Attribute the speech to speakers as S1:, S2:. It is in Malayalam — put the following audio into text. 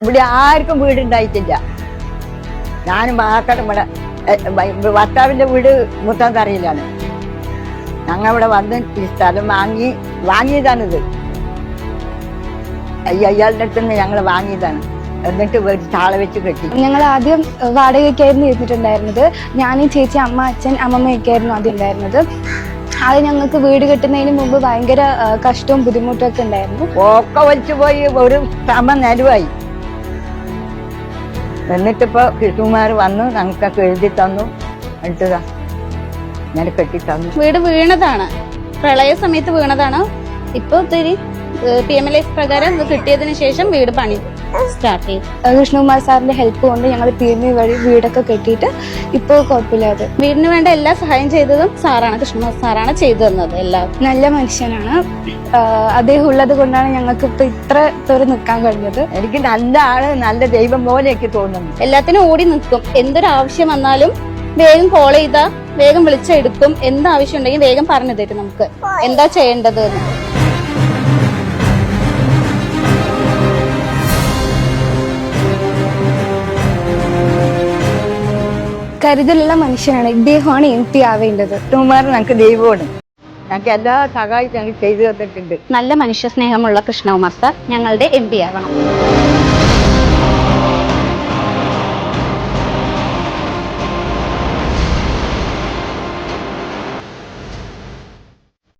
S1: ഇവിടെ ആർക്കും വീടുണ്ടായിട്ടില്ല. ഞാനും മാത്രം ഇവിടെ ഭർത്താവിന്റെ വീട് മുത്താന്തറയിലാണ്. ഞങ്ങൾ ഇവിടെ വന്ന് ഈ സ്ഥലം വാങ്ങിയതാണിത്. അയാളുടെ അടുത്ത് നിന്ന് ഞങ്ങൾ വാങ്ങിയതാണ്. എന്നിട്ട് താള വെച്ച് കെട്ടി.
S2: ഞങ്ങൾ ആദ്യം വാടകയ്ക്കായിരുന്നു ഇരുന്നിട്ടുണ്ടായിരുന്നത്. ഞാനും ചേച്ചി, അമ്മ, അച്ഛൻ, അമ്മമ്മയൊക്കെയായിരുന്നു ആദ്യം ഉണ്ടായിരുന്നത്. അത് ഞങ്ങൾക്ക് വീട് കെട്ടുന്നതിന് മുമ്പ് ഭയങ്കര കഷ്ടവും ബുദ്ധിമുട്ടും ഒക്കെ ഉണ്ടായിരുന്നു.
S1: ഒക്കെ വലിച്ചു പോയി ഒരു നിലവായി. എന്നിട്ടിപ്പോ കൃഷ്ണകുമാർ വന്നു ഞങ്ങൾക്കൊക്കെ എഴുതി തന്നു. എന്നിട്ട് ഞാൻ കെട്ടി തന്നു.
S3: വീട് വീണതാണ്, പ്രളയ സമയത്ത് വീണതാണ്. ഇപ്പൊ ഒത്തിരി PMLA പ്രകാരം കിട്ടിയതിനു ശേഷം വീട് പണി സ്റ്റാർട്ട് ചെയ്തു.
S2: കൃഷ്ണകുമാർ സാറിന്റെ ഹെൽപ്പ് കൊണ്ട് ഞങ്ങൾ PMA വഴി വീടൊക്കെ കെട്ടിയിട്ട് ഇപ്പോൾ കുഴപ്പമില്ലാതെ.
S3: വീടിന് വേണ്ട എല്ലാ സഹായം ചെയ്തതും സാറാണ്, കൃഷ്ണകുമാർ സാറാണ് ചെയ്തു തന്നത്. എല്ലാം
S2: നല്ല മനുഷ്യനാണ്. അദ്ദേഹം ഉള്ളത് കൊണ്ടാണ് ഞങ്ങൾക്ക് ഇപ്പൊ ഇത്ര പേര് നിൽക്കാൻ കഴിഞ്ഞത്.
S1: എനിക്ക് നല്ല ആള്, നല്ല ദൈവം പോലെ എനിക്ക് തോന്നുന്നു.
S3: എല്ലാത്തിനും ഓടി നിൽക്കും. എന്തൊരു ആവശ്യം വന്നാലും വേഗം കോൾ ചെയ്താ വേഗം വിളിച്ചെടുക്കും. എന്താവശ്യം ഉണ്ടെങ്കിൽ വേഗം പറഞ്ഞു തരും നമുക്ക് എന്താ ചെയ്യേണ്ടത് എന്ന്.
S2: കരുതലുള്ള മനുഷ്യനാണ്. ഇദ്ദേഹമാണ് MP ആവേണ്ടത്.
S1: കൃഷ്ണകുമാർ ഞങ്ങൾക്ക് ദൈവമാണ്. ഞങ്ങൾക്ക് എല്ലാ സഹായവും ഞങ്ങൾ ചെയ്തു തന്നിട്ടുണ്ട്.
S3: നല്ല മനുഷ്യ സ്നേഹമുള്ള കൃഷ്ണകുമാർ സാർ ഞങ്ങളുടെ MP ആവണം.